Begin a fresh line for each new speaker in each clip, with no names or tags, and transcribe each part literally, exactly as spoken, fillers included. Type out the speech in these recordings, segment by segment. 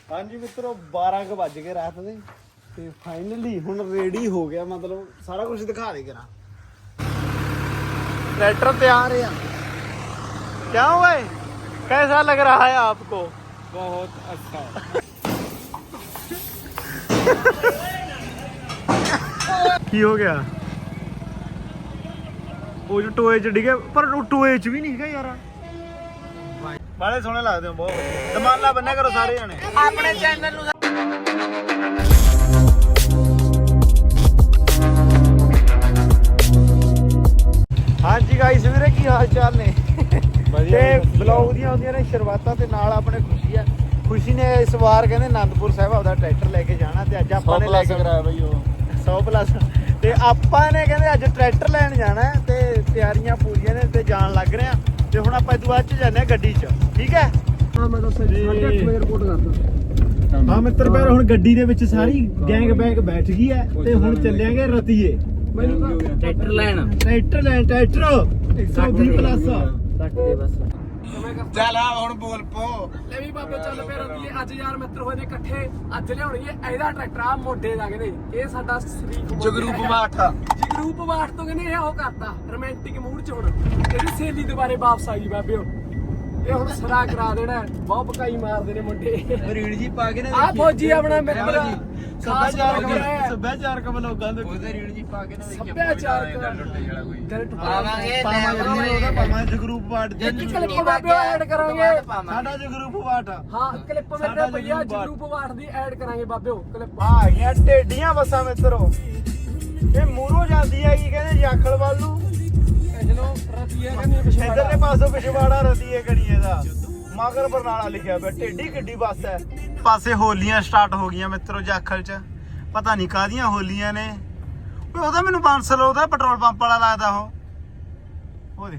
ਹਾਂਜੀ ਮਿੱਤਰੋ ਬਾਰਾਂ ਕੁ ਵੱਜ ਗਏ ਰਾਤ ਦੇ ਤੇ ਫਾਈਨਲੀ ਹੁਣ ਰੈਡੀ ਹੋ ਗਿਆ, मतलब सारा कुछ दिखा दे करा। ट्रैक्टर तैयार है। क्या हुआ है, कैसा लग रहा है आपको?
बहुत अच्छा।
की हो गया? वो जो टोए च डिगे, पर टोए च भी नहीं है यार। बाले सोने लगते हो बहुत। दमाला बन्ना करो सारे जने अपने चैनल नु। हाँ जी गाइस ਵੀਰੇ ਕੀ ਹਾਲ ਚਾਲ ਨੇ? ਤੇ ਬਲੌਗ ਦੀਆਂ ਹੁੰਦੀਆਂ ਨੇ ਸ਼ੁਰੂਆਤਾਂ ਤੇ ਨਾਲ ਆਪਣੇ ਖੁਸ਼ੀ ਆ। ਖੁਸ਼ੀ ਨੇ ਇਸ ਵਾਰ ਕਹਿੰਦੇ ਆਨੰਦਪੁਰ ਸਾਹਿਬ ਆਪਦਾ ਟਰੈਕਟਰ ਲੈ ਕੇ ਜਾਣਾ ਤੇ ਅੱਜ ਆਪਾਂ ਨੇ ਲੈ ਕੇ
ਕਰਾਇਆ ਬਈ ਉਹ
ਸੌ ਪਲੱਸ ਤੇ ਆਪਾਂ ਨੇ ਕਹਿੰਦੇ ਅੱਜ ਟਰੈਕਟਰ ਲੈਣ ਜਾਣਾ ਤੇ ਤਿਆਰੀਆਂ ਪੂਰੀਆਂ ਨੇ ਤੇ ਜਾਣ ਲੱਗ ਰਹੇ ਆ ਤੇ ਹੁਣ ਆਪਾਂ ਇਦੋਂ ਬਾਅਦ ਚ ਜਾਂਦੇ ਆ ਗੱਡੀ 'ਚ। ਠੀਕ ਹੈ ਹਾਂ ਮੈਂ ਤਾਂ ਸਾਢੇ ਅੱਠ ਵਜੇ ਰਿਪੋਰਟ ਕਰਦਾ। ਹਾਂ ਮਿੱਤਰ ਪਿਆਰ ਹੁਣ ਗੱਡੀ ਦੇ ਵਿੱਚ ਸਾਰੀ ਗੈਂਗ ਬੈਂਗ ਬੈਠ ਗਈ ਹੈ ਤੇ ਹੁਣ ਚੱਲਾਂਗੇ ਰਤੀਏ
ट्रैक्टर ਲੈਣ
ਟਰੈਕਟਰ ਲੈਣ ਟਰੈਕਟਰ ਇੱਕ ਸੌ ਵੀਹ ਪਲੱਸ
ਕੱਟ ਦੇ ਬਸ।
ਚੱਲ ਆ ਹੁਣ ਬੋਲ ਪੋ
ਲੈ ਵੀ ਬਾਬੇ ਚੱਲ ਪਿਆ ਰੰਦੀਏ ਅੱਜ ਯਾਰ ਮਿੱਤਰ ਹੋਏ ਨੇ ਇਕੱਠੇ। ਅੱਜ ਲਿਆਉਣਗੇ ਇਹਦਾ ਟਰੈਕਟਰ ਆ ਮੋਢੇ ਦਾ ਕਹਿੰਦੇ ਇਹ ਸਾਡਾ ਸ਼ਰੀਕ
ਜਗਰੂਪ ਬਾਠ
ਜਗਰੂਪ ਬਾਠ ਤੋਂ ਕਹਿੰਦੇ ਇਹ ਉਹ ਕਰਤਾ ਰੋਮਾਂਟਿਕ ਮੂਡ ਚ। ਹੁਣ ਇਹਦੀ ਸਹੇਲੀ ਦੁਬਾਰੇ ਵਾਪਸ ਆ ਗਈ ਬਾਬੇ। ਇਹ ਹੁਣ ਸਰਾ ਕਰਾ ਦੇਣਾ, ਬਹੁਤ ਪਕਾਈ ਮਾਰਦੇ ਨੇ ਮੁੰਡੇ।
ਰੀੜ ਜੀ ਪਾ ਕੇ ਨਾ
ਆ ਫੌਜੀ ਆਪਣਾ ਮਿੱਤਰ
ਸੱਭਿਆਚਾਰਕ ਸੱਭਿਆਚਾਰਕ ਲੋਕਾਂ ਦੇ
ਉਹਦੇ ਰੀੜ ਜੀ ਪਾ ਕੇ ਨਾ
ਸੱਭਿਆਚਾਰਕ
ਲੁੱਟੇ ਵਾਲਾ ਕੋਈ
ਦਿਲ
ਪਾਵਾਂਗੇ
ਪਾਵਾਂਗੇ ਉਹਦਾ ਪਾਵਾਂਗੇ ਜਗਰੂਪ ਵਾਟ
ਇੱਕ ਕਲਿੱਪ ਬਾਬੇ ਐਡ ਕਰਾਂਗੇ।
ਸਾਡਾ ਜਗਰੂਪ ਵਾਟ
ਹਾਂ ਕਲਿੱਪ ਮੇਰੇ ਭਈਆ ਜਗਰੂਪ ਵਾਟ ਦੀ ਐਡ ਕਰਾਂਗੇ ਬਾਬਿਓ ਕਲਿੱਪ।
ਆ ਗਈਆਂ ਢੇਡੀਆਂ ਬੱਸਾਂ ਮਿੱਤਰੋ। ਇਹ ਮੂਰੋਂ ਜਾਂਦੀ ਹੈਗੀ ਕਹਿੰਦੇ ਜਾਖਲ ਵੱਲ ਨੂੰ,
ਚਲੋ ਰਤੀਏ ਕਹਿੰਦੇ ਪਿਛੇ
ਇਧਰਲੇ ਪਾਸੋਂ ਪਿਛਵਾੜਾ ਰਤੀਏ ਕਣੀਏ ਦਾ ਮਗਰ ਬਰਨਾਲਾ ਲਿਖਿਆ ਪਿਆ। ਢੇਡੀ ਗੱਡੀ ਬੱਸ ਹੈ। ਪਾਸੇ ਹੋਲੀਆਂ ਸਟਾਰਟ ਹੋ ਗਈਆਂ ਮਿੱਤਰੋ ਜਾਖਲ ਚ। ਪਤਾ ਨਹੀਂ ਕਾਹਦੀਆਂ ਹੋਲੀਆਂ ਨੇ। ਓਏ ਉਹਦਾ ਮੈਨੂੰ ਬਾਂਸਲ ਉਹਦਾ ਪੈਟਰੋਲ ਪੰਪ ਵਾਲਾ ਲੱਗਦਾ ਉਹ। ਉਹ ਦੇ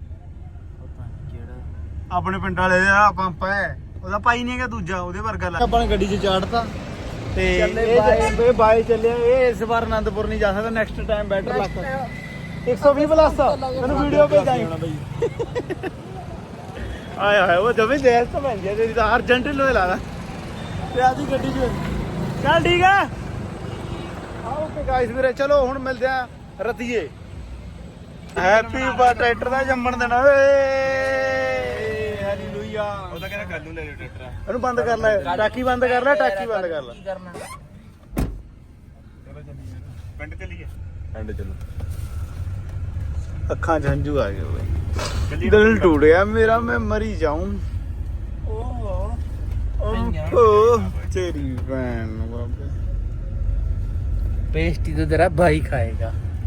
ਆਪਣੇ ਪਿੰਡ ਵਾਲੇ ਦਾ ਪੰਪ ਹੈ ਉਹਦਾ ਪਾਈ ਨਹੀਂ ਹੈਗਾ ਦੂਜਾ ਉਹਦੇ ਵਰਗਾ ਲੱਗ। ਆਪਾਂ ਨੇ ਗੱਡੀ 'ਚ ਚਾੜਤਾ ਤੇ ਇਹ ਬਾਈ ਚੱਲਿਆ। ਇਹ ਇਸ ਵਾਰ ਆਨੰਦਪੁਰ ਨਹੀਂ ਜਾ ਸਕਦਾ, ਨੈਕਸਟ ਟਾਈਮ ਬੈਟਰ ਲੱਗ ਇੱਕ ਸੌ ਵੀਹ ਪਲੱਸ ਮੈਨੂੰ ਵੀਡੀਓ ਭੇਜਾਈ ਹੋਣਾ ਬਈ। ਆਏ ਹਾਏ ਉਹ ਜਮੇ ਦੇਰ ਤੋਂ ਬਣ ਗਿਆ ਤੇਰੀ ਤਾਂ ਅਰਜੈਂਟ ਲੋਏ ਲਾਦਾ ਤੇ ਆਦੀ ਗੱਡੀ 'ਚ। ਚੱਲ ਠੀਕ ਹੈ ਓਕੇ ਗਾਇਸ ਵੀਰੇ ਚਲੋ ਹੁਣ ਮਿਲਦੇ ਆ ਰਤੀਏ। ਹੈਪੀ ਬਰਥਡੇ ਟਰੈਕਟਰ ਦਾ ਜੰਮਣ ਦੇਣਾ ਓਏ ਹਾਲੇਲੂਇਆ।
ਉਹ ਤਾਂ ਕਹਿੰਦਾ ਕੱਲ ਨੂੰ ਲੈ ਲਿਓ ਟਰੈਕਟਰ।
ਇਹਨੂੰ ਬੰਦ ਕਰ ਲੈ, ਟਾਕੀ ਬੰਦ ਕਰ ਲੈ, ਟਾਕੀ ਬੰਦ ਕਰ ਲੈ।
ਚਲੋ ਚੱਲੀਏ ਪਿੰਡ ਚੱਲੀਏ।
ਪਿੰਡ ਚਲੋ। ਅੱਖਾਂ 'ਚ ਹੰਝੂ ਆ ਗਏ ਓਏ, ਦਿਲ ਟੁੱਟਿਆ ਮੇਰਾ, ਮੈਂ ਮਰੀ ਜਾਊਂ। ਓਹ ਓਹ ਤੇਰੀ ਭੈਣ ਨੂੰ ਬਾਬੇ।
पेस्टी तो तेरा भाई खाएगा,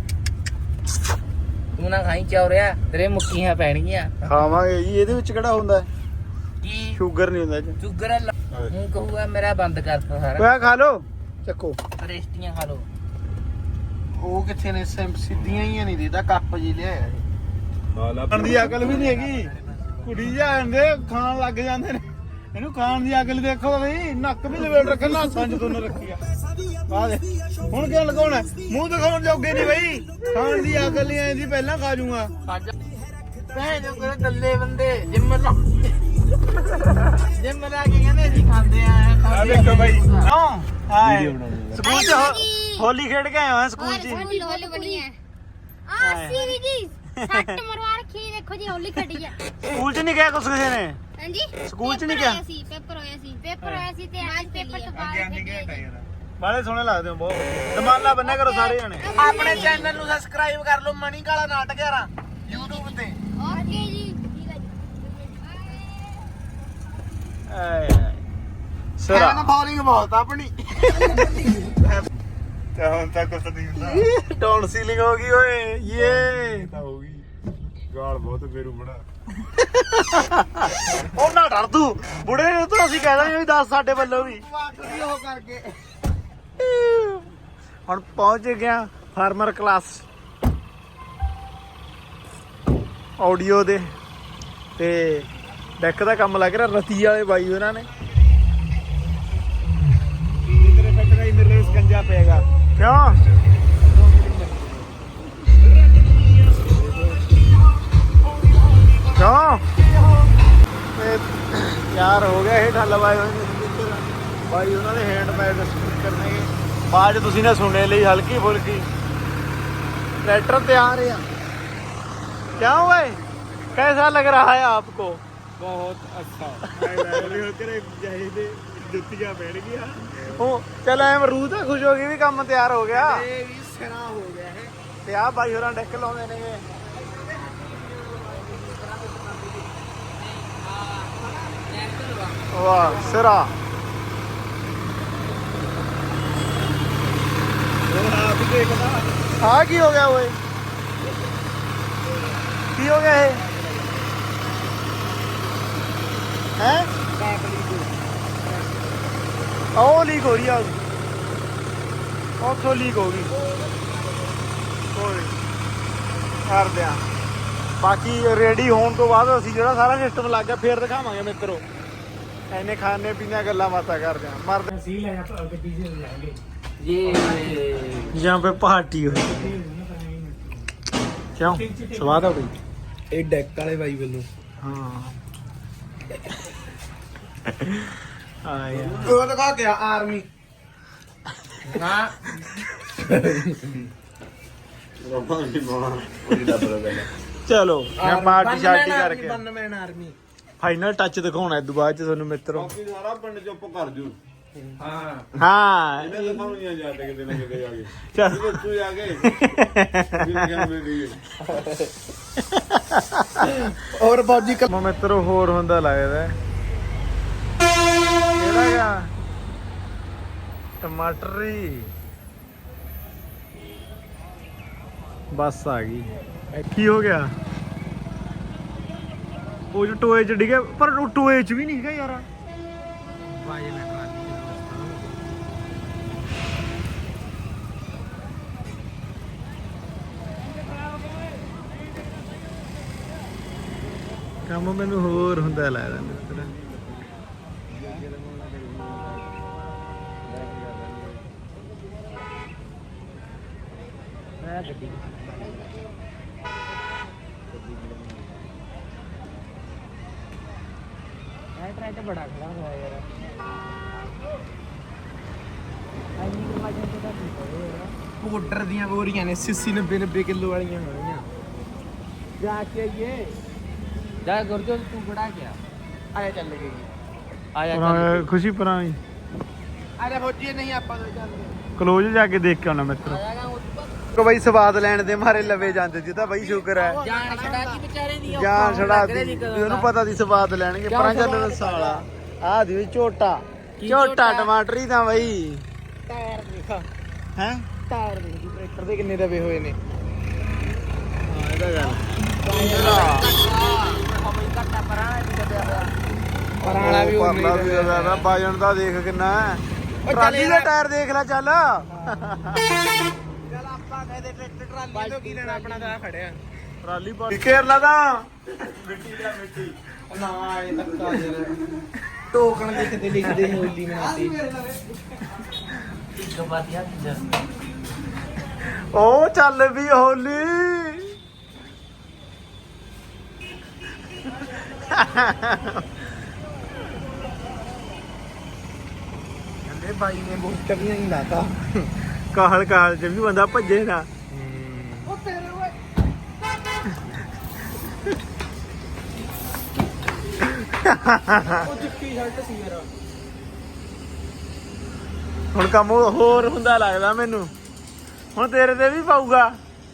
तू ना खाई चौरिया तेरे मुक्कियां पैणगियां।
ਖਾਵਾਂਗੇ ਜੀ, ਇਹਦੇ ਵਿੱਚ ਕਿਹੜਾ ਹੁੰਦਾ
की
ਸ਼ੂਗਰ ਨਹੀਂ ਹੁੰਦਾ ਜੀ।
शुगर हूं कहूगा मेरा बंद करता सारा।
ਓਏ ਖਾ ਲੋ ਚੱਕੋ।
पेस्टियां खा लो।
ਉਹ ਕਿੱਥੇ ਨੇ ਸਿੱਧੀਆਂ ਹੀ ਨਹੀਂ ਦੇਦਾ ਕੱਪ ਜੀ ਲਿਆਇਆ।
ਬਾਲਾ
ਖਾਣ ਦੀ ਅਕਲ ਵੀ ਨਹੀਂ ਹੈਗੀ, ਕੁੜੀ ਜਾਂਦੇ ਖਾਣ ਲੱਗ ਜਾਂਦੇ ਨੇ। ਇਹਨੂੰ ਖਾਣ ਦੀ ਅਕਲ ਦੇਖੋ ਬਈ, ਨੱਕ ਵੀ ਲਵੇਟ ਰੱਖਿਆ, ਨਾਸਾਂ 'ਚ ਦੋਨੋਂ ਰੱਖੀ ਆ। ਆ ਦੇ ਹੁਣ ਕਿਉਂ ਲਗਾਉਣਾ, ਮੂੰਹ ਦਿਖਾਉਣ ਜੋਗੇ ਨਹੀਂ ਬਈ। ਖਾਣ ਦੀ ਅਕਲ ਨਹੀਂ ਆਈ, ਪਹਿਲਾਂ ਖਾ ਜੂਗਾ।
ਭੈਣ ਜੋ ਕੋਲ ਗੱਲੇ ਬੰਦੇ ਜਿੰਮ ਲਾ ਜਿੰਮ ਲਾ ਕੇ ਕਹਿੰਦੇ ਅਸੀਂ ਖਾਂਦੇ ਆ।
ਆ ਦੇਖੋ ਬਾਈ
ਹਾਂ ਹਾਏ ਸਕੂਲ 'ਚ ਹੋ- ਹੋਲੀ ਖੇਡ ਕੇ ਆਏ ਹੋਏ ਸਕੂਲ 'ਚ।
होली होली बनी है आ सीरी जी सट मरवा रखी है, देखो जी होली खड़ी है।
ਸਕੂਲ 'ਚ ਨਹੀਂ ਗਿਆ ਕੁਛ ਕਿਸੇ ਨੇ?
हां जी
ਸਕੂਲ 'ਚ ਨਹੀਂ ਗਿਆ?
सी पेपर होया सी पेपर होया सी ते आज पेपर तो बाद खेडी है।
ਬਾਲੇ ਸੋਹਣੇ ਲੱਗਦੇ ਹੋ ਬਹੁਤ। ਦਮਾਲਾ ਬੰਨਿਆ ਕਰੋ ਸਾਰੇ ਜਣੇ।
ਆਪਣੇ ਚੈਨਲ ਨੂੰ ਸਬਸਕ੍ਰਾਈਬ ਕਰ ਲਓ, ਮਣੀ ਕਾਲਾ ਨਾਟਕ ਯਾਰਾ YouTube ਤੇ।
ओके जी ठीक है
ਆਏ ਹਾਏ ਸਰਾ
ਫਾਲਿੰਗ ਬਹੁਤ ਆਪਣੀ। ਤੇ ਹੁਣ ਤੱਕ ਕੁਛ ਨਹੀਂ ਹੁੰਦਾ।
ਡਾਊਨ ਸੀਲਿੰਗ ਹੋ ਗਈ ਓਏ ਯੇ।
ਤਾਂ ਹੋ ਗਈ ਗਾਲ ਬਹੁਤ ਫੇਰੂ ਬਣਾ।
ਉਹ ਨਾ ਡਰ ਤੂੰ ਬੁੜੇ ਨੂੰ ਤਾਂ ਅਸੀਂ ਕਹਿ ਦਾਂਗੇ ਵੀ ਦੱਸ ਸਾਡੇ ਵੱਲੋਂ ਵੀ।
ਉਹ ਕਰਕੇ
ਹੁਣ ਪਹੁੰਚ ਗਿਆ ਫਾਰਮਰ ਕਲਾਸ ਆਡੀਓ ਦੇ ਤੇ ਡੈਕ ਦਾ ਕੰਮ ਲੱਗ ਰਿਹਾ। ਰਤੀ ਵਾਲੇ ਬਾਈ ਉਹਨਾਂ ਨੇ
ਤੇਰੇ ਫੱਟ ਗਈ ਮੇਰੇ ਲਈ ਸਕੰਜਾ ਪਏਗਾ।
ਕਿਉਂ ਕਿਉਂ ਤੇ ਯਾਰ ਹੋ ਗਿਆ ਇਹ ਢੱਲ ਵਾਏ ਹੋਏ ਨੇ। ਭਾਈ ਉਹਨਾਂ ਦੇ ਹੈਂਡਮੇਡ ਸਪੀਕਰ ਨੇ ਬਾਅਦ ਤੁਸੀਂ ਨੇ ਸੁਣਨੇ ਲਈ ਹਲਕੀ ਫੁਲਕੀ ट्रैक्टर तैयार है क्या हुआ है कैसा लग रहा है आपको
ਬਹੁਤ ਅੱਛਾ
ਜੁੱਤੀਆਂ ਬੈਠ ਗਈਆਂ
ओ चल एम रू तो खुश हो गई भी काम तैयार हो गया
ਇਹ ਵੀ ਸਿਰਾ ਹੋ ਗਿਆ ਹੈ
ਤੇ ਆ ਬਾਈ ਹੋਰਾਂ ਡੈਕ ਲਾਉਂਦੇ ਨੇਗੇ ਵਾਹ ਸਿਰਾ
ਉਹ ਆਪ ਹੀ ਦੇਖਦਾ
ਆ ਕੀ ਹੋ ਗਿਆ ਓਏ ਕੀ ਹੋ ਗਿਆ ਇਹ ਹੈ ਉਹ ਲੀਕ ਹੋ ਰਹੀ ਆ ਉੱਥੋਂ ਲੀਕ ਹੋ ਗਈ ਕੋਈ ਕਰਦੇ ਆ ਬਾਕੀ ਰੈਡੀ ਹੋਣ ਤੋਂ ਬਾਅਦ ਅਸੀਂ ਜਿਹੜਾ ਸਾਰਾ ਸਿਸਟਮ ਲੱਗ ਗਿਆ ਫੇਰ ਦਿਖਾਵਾਂਗੇ ਮਿੱਤਰੋ ਐਨੇ ਖਾਣੇ ਪੀਣੇ ਗੱਲਾਂ ਬਾਤਾਂ ਕਰਦੇ ਆ ਮਰਦੇ
ਸੀ ਲੈ ਜਾ ਗੱਡੀ ਚ ਜਾਏਂਗੇ
यहाँ पे पार्टी हुई क्यों स्वाद हो गई
ਇਹ ਡੈਕ ਵਾਲੇ ਬਾਈ ਵੱਲੋਂ
हाँ हाँ यार
ਉਹ ਦਿਖਾ ਗਿਆ ਆਰਮੀ ਹਾਂ
ਰੋਮਾਂਟੀ ਮਾਂ ਉਹਦੀ ਦਾ ਬਰੋਬਰ
चलो मैं पार्टी शार्टी करके
ਬੰਨਮੈਨ ਆਰਮੀ
फाइनल टच दिखाना है दोबारा च थानू मित्रों
ਬਾਕੀ ਸਾਰਾ ਪਿੰਡ ਚੁੱਪ ਕਰ ਜੂ
ਹਾਂ
हाँ
ਇਹਨੇ ਦਿਖਾਉਣੀਆਂ ਜਾਂਦੇ ਕਿਤੇ ਨਾ ਕਿਤੇ ਜਾ ਕੇ
चल
ਜਦੋਂ ਤੂੰ ਜਾ ਕੇ ਵੀ ਲੱਗਿਆ ਮੇਰੀ
और फौजी का मित्रों होर हुंदा लगदा केड़ा गया टमाटरी बस आ गई की हो गया वो जो टोए च डिगे पर टोए च भी नहीं है यार ਕੰਮ ਮੈਨੂੰ ਹੋਰ ਹੁੰਦਾ ਲੱਗਦਾ ਮਿੱਤਰ ਮੈਂ ਗੱਡੀ ਇਹ ਟਰੈਕ ਬੜਾ ਖੜਾ ਹੋਇਆ ਯਾਰ ਐਨੀ ਕੁ ਵਜਨ ਤੇ ਤਾਂ ਠੀਕ ਹੋਵੇ ਯਾਰ
ਪਾਊਡਰ ਦੀਆਂ ਬੋਰੀਆਂ ਨੇ ਅੱਸੀ ਨੱਬੇ ਨੱਬੇ ਕਿਲੋ ਵਾਲੀਆਂ ਹੋਣੀਆਂ ਜਾ ਕੇ ਆਈਏ ਜਾ ਗੁਰਜੋਤ ਤੂੰ ਬੜਾ ਗਿਆ ਆਇਆ ਚੱਲ ਗਈ ਆਇਆ
ਖੁਸ਼ੀ ਪਰਾਂ
ਅਰੇ ਫੌਜੀ ਨਹੀਂ ਆਪਾਂ ਦੋ ਚੱਲਦੇ
ਕਲੋਜ ਜਾ ਕੇ ਦੇਖ ਕੇ ਆਉਣਾ ਮਿੱਤਰ ਕੋ ਬਈ ਸਵਾਦ ਲੈਣ ਦੇ ਮਾਰੇ ਲਵੇ ਜਾਂਦੇ ਜੀ ਤਾਂ ਬਈ ਸ਼ੁਕਰ ਹੈ
ਜਾਨ ਛੜਾਤੀ ਵਿਚਾਰੇ ਦੀ
ਜਾਨ ਛੜਾਤੀ ਉਹਨੂੰ ਪਤਾ ਦੀ ਸਵਾਦ ਲੈਣਗੇ ਪਰਾਂ ਚੱਲ ਸਾਲਾ ਆ ਦੀ ਝੋਟਾ ਝੋਟਾ ਟਮਾਟਰੀ ਤਾਂ ਬਈ
ਟਾਇਰ ਦੇਖਾ
ਹੈ
ਟਾਇਰ ਦੇਖ ਟਰੈਕਟਰ ਦੇ ਕਿੰਨੇ ਦਬੇ ਹੋਏ ਨੇ
ਹਾਂ ਇਹਦਾ ਗੱਲ
ਪਰਾਣਾ ਵੀ ਉਹ
ਪਰਲਾ ਵੀ ਉਹਦਾ ਬਾਜਣ ਦਾ ਦੇਖ ਕਿੰਨਾ ਹੈ ਟਰਾਲੀ ਦਾ ਟਾਇਰ ਦੇਖ ਲੈ ਚੱਲ
ਚੱਲ ਆਪਾਂ ਕਹਦੇ ਟਰੈਕਟਰ ਟਰਾਲੀ ਤੋਂ ਕੀ ਲੈਣਾ ਆਪਣਾ ਤਾਂ ਖੜਿਆ
ਟਰਾਲੀ ਪਾ ਕੇਰਲਾ ਦਾ
ਮਿੱਟੀ ਦਾ ਮਿੱਟੀ
ਨਾ ਇਹ ਧੱਕਾ ਯਾਰ ਟੋਕਣ ਦੇ ਕਿਤੇ ਲਿਖਦੇ ਹੋਲੀ ਮਨਾਤੀ ਇੱਕ ਵਧੀਆ
ਉਹ ਚੱਲ ਵੀ ਹੋਲੀ
ਕਹਿੰਦੇ ਬਾਈ ਨੇ ਬੂਟ ਵੀ ਨਹੀਂ ਲਾਤਾ
ਕਾਹਲ ਕਾਹਲ ਚ ਵੀ ਬੰਦਾ ਭੱਜੇ ਨਾ
ਉਹ ਤੇਰੇ ਓਏ ਉਹ ਚਿੱਟੀ ਸ਼ਰਟ ਸੀ ਯਾਰ
ਹੁਣ ਕੰਮ ਹੋਰ ਹੁੰਦਾ ਲੱਗਦਾ ਮੈਨੂੰ ਹੁਣ ਤੇਰੇ ਤੇ ਵੀ ਪਾਊਗਾ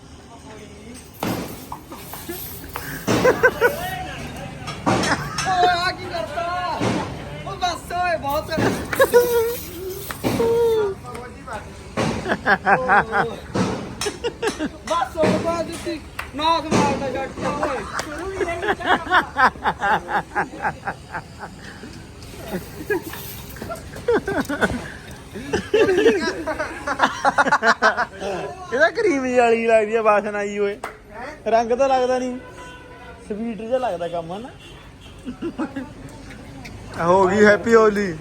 ਓਏ ਆ ਕੀ ਕਰਤਾ ਉਹ ਬਸ ਓਏ ਬਹੁਤ ਬਸ ਉਹ ਬਾਅਦ ਦਿੱਤੀ ਨਾਕ ਮਾਰਦਾ ਜੱਟ ਓਏ ਸ਼ੁਰੂ ਹੀ ਨਹੀਂ
ਇਹਦਾ ਕਰੀਮ ਜਿਹੀ ਵਾਲੀ ਲੱਗਦੀ ਆ ਵਾਸਨਾ ਆਈ ਓਏ ਰੰਗ ਤਾਂ ਲੱਗਦਾ ਨਹੀਂ ਸਵੀਟ ਜਿਹਾ ਲੱਗਦਾ ਕੰਮ ਹਨਾ ਹੋ ਗਈ ਹੈਪੀ ਹੋਲੀ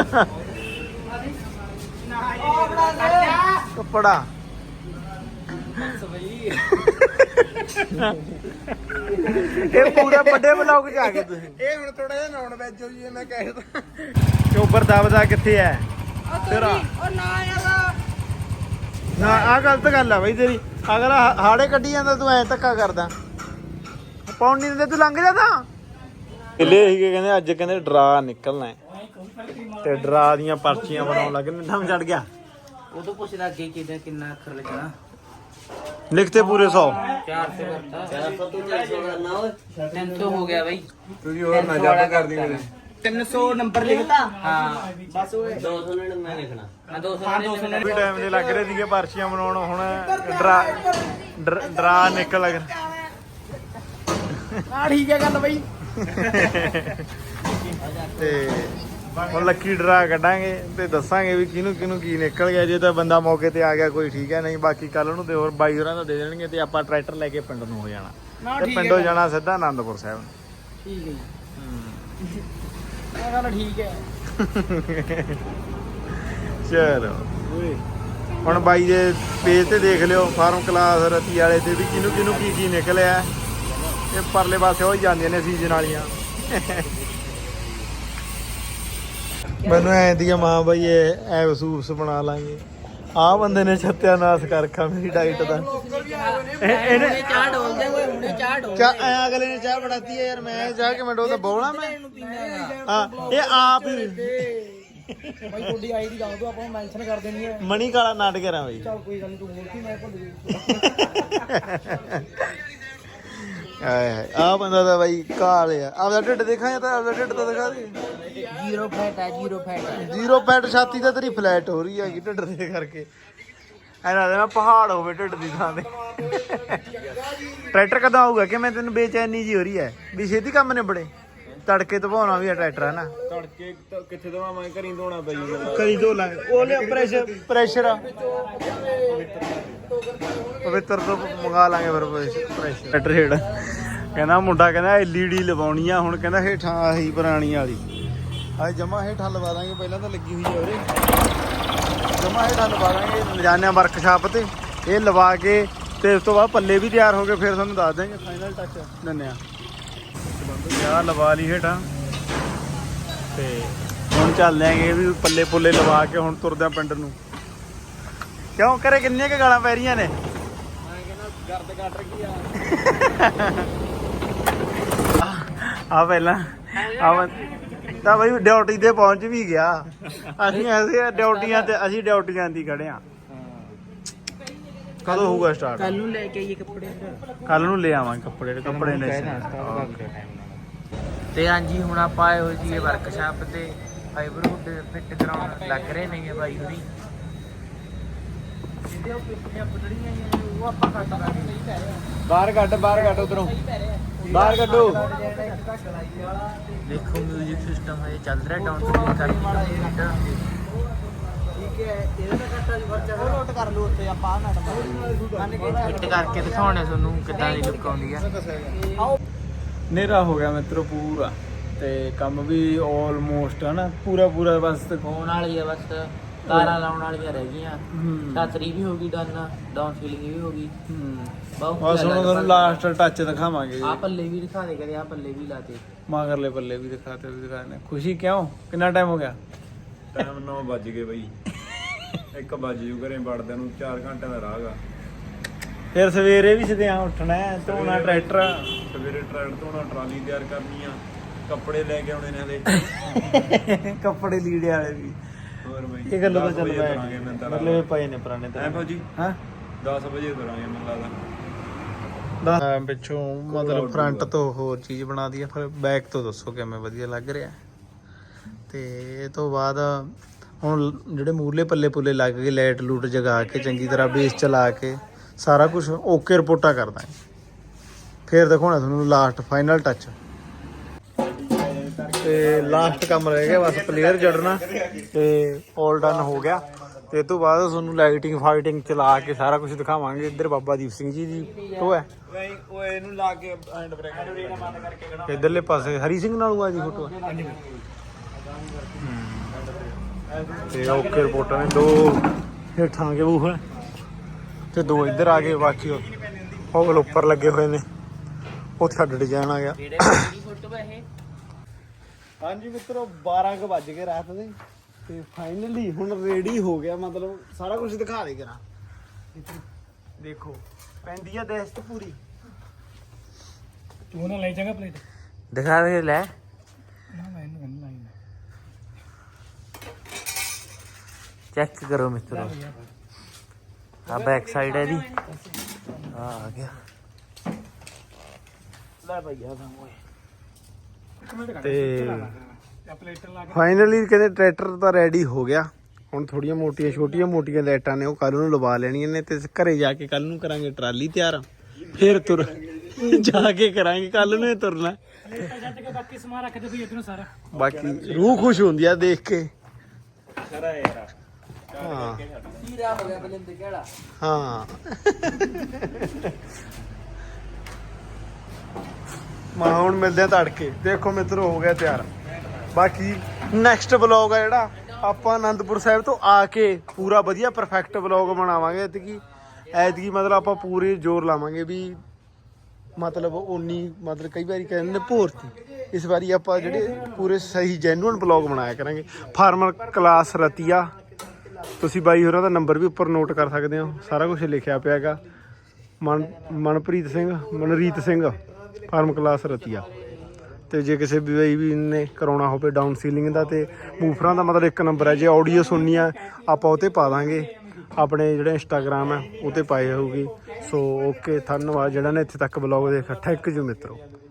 ਕੱਪੜਾ ਇਹ ਪੂਰਾ ਵੱਡੇ ਬਲੌਗ ਚ ਆ ਗਏ ਤੁਸੀਂ।
ਇਹ ਹੁਣ ਥੋੜਾ ਜਿਹਾ ਨੌਨ ਵੈਜ ਹੋ ਜੀ ਮੈਂ ਕਹਿ ਤਾ
ਚੋਬਰ ਦਬਦਾ ਕਿੱਥੇ ਐ ਤੇਰਾ?
ਉਹ ਨਾ ਯਾਰ
ਨਾ ਆ ਗਲਤ ਗੱਲ ਆ ਬਈ ਤੇਰੀ। ਅਗਲਾ ਹਾੜੇ ਕੱਢੀ ਜਾਂਦਾ ਤੂੰ ਐ ਧੱਕਾ ਕਰਦਾ। ਪੌਣ ਨਹੀਂ ਦਿੰਦੇ ਤੂੰ ਲੰਘ ਜਾਂਦਾ। ਕਿਲੇ ਸੀਗੇ ਕਹਿੰਦੇ ਅੱਜ ਕਹਿੰਦੇ ਡਰਾ ਨਿਕਲਣਾ ਹੈ ਤੇ ਡਰਾ ਦੀਆਂ ਪਰਚੀਆਂ ਬਣਾਉਣ ਲੱਗੇ। ਨੰਮ ਚੜ ਗਿਆ।
ਉਹ ਤੋਂ ਪੁੱਛਦਾ ਅੱਗੇ ਕਿਦਾਂ ਕਿੰਨਾ ਅੱਖਰ ਲੱਗਣਾ।
ਲਿਖਤੇ ਪੂਰੇ ਸੌ।
ਚਾਰ ਸੌ ਕਰਤਾ ਚਾਰ ਸੌ ਤੋਂ ਚਾਰ ਸੌ ਕਰਨਾ ਓਏ ਤਿੰਨ ਸੌ ਹੋ ਗਿਆ ਬਾਈ।
ਤੁਸੀਂ ਹੋਰ ਨਾ ਜੱਬ ਕਰਦੀ ਮੇਰੇ
ਤਿੰਨ ਸੌ ਨੰਬਰ ਲਿਖਤਾ। ਹਾਂ ਬਸ ਓਏ ਦੋ ਸੌ ਨੜਿਨਵੇਂ ਲਿਖਣਾ। ਹਾਂ ਦੋ ਸੌ ਨੜਿਨਵੇਂ
ਵੀ ਟਾਈਮ ਦੇ ਲੱਗ ਰਹੇ ਸੀਗੇ ਪਰਚੀਆਂ ਬਣਾਉਣ। ਹੁਣ ਡਰਾ ਡਰ- ਡਰਾ ਨਿਕਲ ਲੱਗ
ਆ ਠੀਕ ਹੈ ਗੱਲ ਬਾਈ।
ਤੇ ਹੁਣ ਲੱਕੀ ਡਰਾ ਕੱਢਾਂਗੇ ਤੇ ਦੱਸਾਂਗੇ ਵੀ ਕਿਹਨੂੰ ਕਿਹਨੂੰ ਕੀ ਨਿਕਲ ਗਿਆ। ਜੇ ਤਾਂ ਬੰਦਾ ਮੌਕੇ ਤੇ ਆ ਗਿਆ ਕੋਈ ਠੀਕ ਹੈ, ਨਹੀਂ ਬਾਕੀ ਕੱਲ ਨੂੰ ਤੇ ਹੋਰ ਬਾਈ ਹੋਰਾਂ ਦਾ ਦੇ ਦੇਣਗੇ ਤੇ ਆਪਾਂ ਟਰੈਕਟਰ ਲੈ ਕੇ ਪਿੰਡ ਨੂੰ ਹੋ ਜਾਣਾ ਤੇ ਪਿੰਡੋਂ ਜਾਣਾ ਸਿੱਧਾ ਆਨੰਦਪੁਰ ਸਾਹਿਬ।
ਠੀਕ ਹੈ ਜੀ ਇਹ ਗੱਲ ਠੀਕ ਹੈ।
ਚਲੋ ਹੁਣ ਬਾਈ ਦੇ ਪੇਜ ਤੇ ਦੇਖ ਲਿਓ ਫਾਰਮ ਕਲਾਸ ਰਤੀ ਵਾਲੇ ਤੇ ਵੀ ਕਿਹਨੂੰ ਕਿਹਨੂੰ ਕੀ ਕੀ ਨਿਕਲਿਆ। ਇਹ ਪਰਲੇ ਪਾਸੇ ਹੋ ਹੀ ਜਾਂਦੀਆਂ ਨੇ ਸੀਜ਼ਨ ਵਾਲੀਆਂ। ਮੈਨੂੰ ਐ ਦੀ ਮਾਂ ਬਈ ਇਹ ਐ ਵਸੂਸ ਬਣਾ ਲਾਂਗੇ। ਆਹ ਬੰਦੇ ਨੇ ਸੱਤਿਆਨਾਸ਼ ਕਰ ਰੱਖਾ ਮੇਰੀ ਡਾਈਟ ਦਾ। ਇਹਨੇ
ਚਾਹ ਢੋਲਦੇ ਓਏ ਹੁਣੇ ਚਾਹ ਢੋਲ
ਚਾਹ ਐ ਅਗਲੇ ਨੇ ਚਾਹ ਬਣਾਤੀ ਹੈ ਯਾਰ। ਮੈਂ ਚਾਹ ਕੇ ਮੈਂ ਡੋਲਦਾ ਬੋਲਾਂ ਮੈਂ। ਹਾਂ ਇਹ ਆਪ ਹੀ
ਬਾਈ ਤੁਹਾਡੀ ਆਈ ਦੀ ਦੱਸ ਦੋ ਆਪਾਂ ਮੈਂਸ਼ਨ ਕਰ ਦੇਣੀ ਹੈ।
ਮਣੀ ਕਾਲਾ ਨਾਟਕ ਕਰਾਂ ਬਈ।
ਚੱਲ ਕੋਈ ਗੱਲ ਨਹੀਂ ਤੂੰ ਬੋਲ ਕੀ ਮੈਂ ਭੁੱਲ ਗਈ।
ਆਏ ਆ ਬੰਦਾ ਤਾਂ ਬਾਈ ਕਾਲ ਆ। ਆਪਦਾ ਢਿੱਡ ਦੇਖਾਂ ਤਾਂ ਆਪਦਾ ਢਿੱਡ ਤਾਂ ਦਿਖਾ ਦੇ।
ਜ਼ੀਰੋ ਫੈਟ ਹੈ ਜ਼ੀਰੋ ਫੈਟ।
ਜ਼ੀਰੋ ਫੈਟ ਛਾਤੀ ਤਾਂ ਤੇਰੀ ਫਲੈਟ ਹੋ ਰਹੀ ਹੈਗੀ ਢਿੱਡ ਦੇ ਕਰਕੇ। ਐਨਾ ਦੇ ਨਾ ਪਹਾੜ ਹੋਵੇ ਢਿੱਡ ਦੀ ਥਾਂ ਤੇ। ਟਰੈਕਟਰ ਕਦੋਂ ਆਊਗਾ ਕਿ ਮੈਂ ਤੈਨੂੰ ਬੇਚੈਨੀ ਜੀ ਹੋ ਰਹੀ ਹੈ ਵੀ ਛੇਤੀ ਕੰਮ ਨਿਬੜੇ। ਤੜਕੇ ਧਵਾਉਣਾ ਵੀ ਆ ਟਰੈਕਟਰ ਹੈ ਨਾ।
ਤੜਕੇ ਕਿੱਥੇ ਦਵਾ ਮੈਂ ਘਰੀ ਧੋਣਾ ਪਈ ਜਾਂਦਾ।
ਕਰੀ ਧੋ ਲਾਂਗੇ ਉਹ ਲਿਆ ਪ੍ਰੈਸ਼ਰ ਪ੍ਰੈਸ਼ਰ ਪਵਿੱਤਰ ਤੋਂ ਮੰਗਾ ਲਾਂਗੇ ਫਿਰ ਪ੍ਰੈਸ਼ਰ। ਟਰੈਕਟਰ ਹੇਠ ਕਹਿੰਦਾ ਮੁੰਡਾ ਕਹਿੰਦਾ ਐਲ ਈ ਡੀ ਲਵਾਉਣੀ ਆ। ਹੁਣ ਕਹਿੰਦਾ ਹੇਠਾਂ ਆਹੀ ਪੁਰਾਣੀ ਵਾਲੀ ਆ ਜਮਾ ਹੇਠਾਂ ਲਵਾ ਦਾਂਗੇ। ਪਹਿਲਾਂ ਤਾਂ ਲੱਗੀ ਹੋਈ ਆ ਉਰੇ ਜਮਾ ਹੇਠਾਂ ਲਵਾ ਦਾਂਗੇ। ਲਿਜਾਨੇ ਵਰਕਸ਼ਾਪ ਤੇ ਇਹ ਲਵਾ ਕੇ ਤੇ ਉਸ ਤੋਂ ਬਾਅਦ ਪੱਲੇ ਵੀ ਤਿਆਰ ਹੋ ਗਏ ਫਿਰ ਤੁਹਾਨੂੰ ਦੱਸ ਦਾਂਗੇ ਫਾਈਨਲ ਟੱਚ ਦਿੰਦੇ ਆ। ਆ ਲਵਾ ਲਈ ਹੇਠਾਂ ਤੇ ਹੁਣ ਚੱਲਦੇ ਆਂਗੇ ਵੀ ਪੱਲੇ ਪੁੱਲੇ ਲਵਾ ਕੇ ਹੁਣ ਤੁਰਦੇ ਆ ਪਿੰਡ ਨੂੰ। ਕਿਉਂ ਕਰੇ ਕਿੰਨੀਆਂ ਕੁ ਗਾਲਾਂ ਪੈ ਰਹੀਆਂ ਨੇ?
ਗਰਦ ਕੱਟ ਰਹੀ ਆ।
ਆ ਪਹਿਲਾਂ ਆ ਤਾਂ ਬਈ ਡਿਊਟੀ ਤੇ ਪਹੁੰਚ ਵੀ ਗਿਆ। ਅਸੀਂ ਐਸੇ ਡਿਊਟੀਆਂ ਤੇ ਅਸੀਂ ਡਿਊਟੀਆਂ ਦੀ ਖੜੇ ਆ। ਕਦੋਂ ਹੋਊਗਾ ਸਟਾਰਟ?
ਕੱਲ ਨੂੰ ਲੈ ਕੇ ਆਈਏ ਕੱਪੜੇ।
ਕੱਲ ਨੂੰ ਲੈ ਆਵਾਂਗੇ ਕੱਪੜੇ ਕੱਪੜੇ ਨੇ।
ਤੇ ਹਾਂਜੀ ਹੁਣ ਆਪਾਂ ਆਏ ਹੋਏ ਜੀ ਵਰਕਸ਼ਾਪ ਤੇ ਫਾਈਬਰ ਹੁੱਡ ਫਿੱਟ ਕਰਾਉਣ ਲੱਗ ਰਹੇ ਨੇ ਬਾਈ ਹੁਣੀ। ਜਿੱਦੇ ਉਹ ਪਿੱਛੇ ਪਟੜੀਆਂ ਉਹ ਆਪਾਂ ਕੱਟ ਦਾਂਗੇ।
ਬਾਹਰ ਕੱਢ ਬਾਹਰ ਕੱਢ ਉਧਰੋਂ ਬਾਹਰ ਕੱਢੋ।
ਦੇਖੋ ਮਿਊਜ਼ਿਕ ਸਿਸਟਮ ਹਜੇ ਚੱਲ ਰਿਹਾ ਡਾਊਨ ਸਪੀਡ ਕਰਕੇ ਠੀਕ ਹੈ। ਇਹਦਾ ਤਾਂ ਕੱਟਾ ਜੀ ਖਰਚਾ ਨੋਟ ਕਰ ਲਓ ਉੱਤੇ ਆਪਾਂ ਨਾ ਫਿੱਟ ਕਰਕੇ ਦਿਖਾਉਣੇ ਤੁਹਾਨੂੰ ਕਿੱਦਾਂ ਦੀ ਲੁੱਕ ਆਉਂਦੀ ਆ।
ਹਨੇਰਾ ਹੋ ਗਿਆ ਮਿੱਤਰੋ ਪੂਰਾ ਤੇ ਕੰਮ ਵੀ ਆਲਮੋਸਟ ਹੈ ਨਾ ਪੂਰਾ ਪੂਰਾ ਬਸ
ਹੋਣ ਵਾਲੀ ਆ। ਬਸ ਤਾਰਾਂ ਲਾਉਣ ਵਾਲੀਆਂ ਰਹਿ ਗਈਆਂ। ਛਤਰੀ ਵੀ ਹੋ ਗਈ ਡਨ ਡਾਊਨ ਸੀਲਿੰਗ ਵੀ ਹੋ ਗਈ।
ਬਸ ਹੁਣ ਤੁਹਾਨੂੰ ਲਾਸਟ ਟੱਚ ਦਿਖਾਵਾਂਗੇ।
ਆ ਪੱਲੇ ਵੀ ਦਿਖਾ ਦੇ ਕਦੇ ਆ ਪੱਲੇ ਵੀ ਲਾਤੇ
ਮਗਰਲੇ ਪੱਲੇ ਵੀ ਦਿਖਾਤੇ ਵੀ ਦਿਖਾਣੇ। ਖੁਸ਼ੀ ਕਿਉਂ? ਕਿੰਨਾ ਟਾਈਮ ਹੋ ਗਿਆ?
ਟਾਈਮ ਨੌ ਵੱਜ ਗਏ ਬਈ। ਇੱਕ ਵੱਜ ਜੂ ਘਰੇ ਵੜਦਿਆਂ ਨੂੰ ਚਾਰ ਘੰਟੇ ਦਾ ਰਾਹ ਗਾ।
ਫਿਰ ਸਵੇਰੇ ਵੀ ਸਦਿਆਂ ਉੱਠਣਾ ਧੋਣਾ ਟਰੈਕਟਰ।
ਸਵੇਰੇ ਟਰੈਕਟਰ ਧੋਣਾ ਟਰਾਲੀ ਤਿਆਰ ਕਰਨੀ ਆ। ਕੱਪੜੇ ਲੈ ਕੇ ਆਉਣੇ ਨੇ ਹਲੇ।
ਕੱਪੜੇ ਲੀੜੇ ਵਾਲੇ ਵੀ।
ਹੋਰ ਬਈ
ਇਹ ਗੱਲੋਂ ਤਾਂ
ਦਸ
ਚੱਲ
ਵਜੇ
ਪਿਆ
ਤੁਰਾਂਗੇ ਮੈਨੂੰ ਤਾਂ
ਮਤਲਬ ਇਹ ਪਏ ਨੇ ਪੁਰਾਣੇ
ਐ ਫੌਜੀ
ਹਾਂ
ਦਸ ਵਜੇ ਤੁਰਾਂਗੇ ਮੈਨੂੰ ਲੱਗਦਾ।
ਦੱਸ ਪਿੱਛੋਂ ਮਤਲਬ ਫਰੰਟ ਤੋਂ ਹੋਰ ਚੀਜ਼ ਬਣਾ ਦਈਏ ਫਿਰ ਬੈਕ ਤੋਂ ਦੱਸੋ ਕਿਵੇਂ ਵਧੀਆ ਲੱਗ ਰਿਹਾ। ਤੇ ਇਹ ਤੋਂ ਬਾਅਦ ਹੁਣ ਜਿਹੜੇ ਮੂਰਲੇ ਪੱਲੇ ਪੁੱਲੇ ਲੱਗ ਗਏ ਲਾਈਟ ਲੂਟ ਜਗਾ ਕੇ ਚੰਗੀ ਤਰ੍ਹਾਂ ਬੇਸ ਚਲਾ ਕੇ ਸਾਰਾ ਕੁਝ ਓਕੇ ਰਿਪੋਰਟਾਂ ਕਰ ਦਾਂਗੇ। ਫਿਰ ਦਿਖਾਉਣਾ ਤੁਹਾਨੂੰ ਲਾਸਟ ਫਾਈਨਲ ਟੱਚ ਤੇ ਲਾਸਟ ਕੰਮ ਰਹਿ ਗਿਆ ਬਸ ਪਲੇਅਰ ਜੜਨਾ ਤੇ ਆਲ ਡਨ ਹੋ ਗਿਆ। ਤੇ ਇਸ ਤੋਂ ਬਾਅਦ ਤੁਹਾਨੂੰ ਲਾਈਟਿੰਗ ਫਾਈਟਿੰਗ ਚਲਾ ਕੇ ਸਾਰਾ ਕੁਝ ਦਿਖਾਵਾਂਗੇ। ਇੱਧਰ ਬਾਬਾ ਦੀਪ ਸਿੰਘ ਜੀ ਦੀ ਉਹ ਹੈ
ਉਹ ਇਹਨੂੰ ਲਾ ਕੇ ਹੈਂਡ ਬ੍ਰੇਕ
ਇਧਰਲੇ ਪਾਸੇ ਹਰੀ ਸਿੰਘ ਨਾਲ ਆ ਜੀ ਫੋਟੋ ਤੇ ਓਕੇ ਰਿਪੋਰਟਾਂ ਨੇ ਦੋ ਹੇਠਾਂ ਕੇ ਉਹ ਤੇ ਦੋ ਇੱਧਰ ਆ ਗਏ, ਬਾਕੀ ਉਹ ਗਲ ਉੱਪਰ ਲੱਗੇ ਹੋਏ ਨੇ, ਉੱਥੇ ਸਾਡਾ ਡਿਜ਼ਾਈਨ ਆ ਗਿਆ।
ਫੋਟੋ ਇਹ
ਹਾਂਜੀ ਮਿੱਤਰੋ, ਬਾਰਾਂ ਕੁ ਵੱਜ ਗਏ ਰਾਤ ਦੇ ਤੇ ਫਾਈਨਲੀ ਹੁਣ ਰੈਡੀ ਹੋ ਗਿਆ, ਮਤਲਬ ਸਾਰਾ ਕੁਝ ਦਿਖਾ ਦੇ ਕਰਾਂ। ਦੇਖੋ ਪੈਂਦੀ ਆ ਦਸਤ ਪੂਰੀ।
ਤੂੰ ਨਾ ਲੈ ਜਾਗਾ ਪਲੇਟ
ਦਿਖਾ ਦੇ ਲੈ।
ਨਾ ਮੈਂ ਇਹਨੂੰ ਲਾਈ
ਚੈੱਕ ਕਰੋ ਮਿੱਤਰੋ, ਆ ਬੈਕ ਸਾਈਡ ਹੈ ਇਹਦੀ, ਆ ਆ ਗਿਆ।
ਲੈ ਭਈਆ ਤਾਂ ਓਏ
ਇੱਕ ਮਿੰਟ ਕਰ
ਤੇ
ਆ ਪਲੇਟ ਲਾ ਕੇ
ਫਾਈਨਲੀ ਕਹਿੰਦੇ ਟਰੈਕਟਰ ਤਾਂ ਰੈਡੀ ਹੋ ਗਿਆ। ਹੁਣ ਥੋੜੀਆਂ ਮੋਟੀਆਂ ਛੋਟੀਆਂ ਮੋਟੀਆਂ ਲਾਈਟਾਂ ਨੇ ਉਹ ਕੱਲ ਨੂੰ ਲਵਾ ਲੈਣੀਆਂ ਨੇ, ਤੇ ਘਰੇ ਜਾ ਕੇ ਕੱਲ ਨੂੰ ਕਰਾਂਗੇ ਟਰਾਲੀ ਤਿਆਰ, ਫਿਰ ਤੁਰ ਜਾ ਕੇ ਕਰਾਂਗੇ ਕੱਲ ਨੂੰ ਇਹ ਤੁਰਨਾ।
ਪਲੇਟਾਂ ਛੱਡ ਕੇ ਬਾਕੀ ਸਮਾਨ ਰੱਖ ਦੇ ਵੀ ਇਧਰੋਂ ਸਾਰਾ।
ਬਾਕੀ ਰੂਹ ਖੁਸ਼ ਹੁੰਦੀ ਆ ਦੇਖ ਕੇ।
ਖਰਾ ਯਾਰ
ਹਾਂ
ਹੀਰਾ ਹੋ ਗਿਆ ਬਲਿੰਦ ਕਿਹੜਾ।
ਹਾਂ ਮਾ ਹੁਣ ਮਿਲਦੇ ਆ ਤੜਕੇ। ਦੇਖੋ ਮਿੱਤਰੋ ਹੋ ਗਿਆ ਤਿਆਰ। ਬਾਕੀ ਨੈਕਸਟ ਵਲੌਗ ਆ ਜਿਹੜਾ ਆਪਾਂ ਆਨੰਦਪੁਰ ਸਾਹਿਬ ਤੋਂ ਆ ਕੇ ਪੂਰਾ ਵਧੀਆ ਪਰਫੈਕਟ ਵਲੌਗ ਬਣਾਵਾਂਗੇ। ਐਤਕੀ ਐਤਕੀ ਮਤਲਬ ਆਪਾਂ ਪੂਰੇ ਜ਼ੋਰ ਲਾਵਾਂਗੇ ਵੀ ਮਤਲਬ ਉਨੀ ਮਤਲਬ ਕਈ ਵਾਰੀ ਕਹਿੰਦੇ ਨੇ ਭੋਰਤੀ, ਇਸ ਵਾਰੀ ਆਪਾਂ ਜਿਹੜੇ ਪੂਰੇ ਸਹੀ ਜੈਨੂਅਨ ਵਲੌਗ ਬਣਾਇਆ ਕਰਾਂਗੇ। ਫਾਰਮਰ ਕਲਾਸ ਰਤੀਆ, ਤੁਸੀਂ ਬਾਈ ਹੋਰਾਂ ਦਾ ਨੰਬਰ ਵੀ ਉੱਪਰ ਨੋਟ ਕਰ ਸਕਦੇ ਹੋ, ਸਾਰਾ ਕੁਝ ਲਿਖਿਆ ਪਿਆ ਹੈਗਾ। Man Manpreet Singh Manreet Singh farm class Ratia. ਤੇ ਜੇ ਕਿਸੇ ਵੀ ਬਾਈ ਵੀ ਨੇ ਕਰਾਉਣਾ ਹੋਵੇ ਡਾਊਨ ਸੀਲਿੰਗ ਦਾ ਤੇ ਮੂਫਰਾਂ ਦਾ, ਮਤਲਬ ਇੱਕ ਨੰਬਰ ਹੈ। ਜੇ ਆਡੀਓ ਸੁਣਨੀ ਆ ਆਪਾਂ ਉਹ 'ਤੇ ਪਾ ਦਾਂਗੇ, ਆਪਣੇ ਜਿਹੜਾ ਇੰਸਟਾਗ੍ਰਾਮ ਹੈ ਉਹ 'ਤੇ ਪਾਈ ਹੋਊਗੀ। ਸੋ ਓਕੇ, ਧੰਨਵਾਦ ਜਿਹੜਾ ਨੇ ਇੱਥੇ ਤੱਕ ਵਲੌਗ ਦੇਖਿਆ। ਥੈਂਕ ਯੂ ਮਿੱਤਰੋ।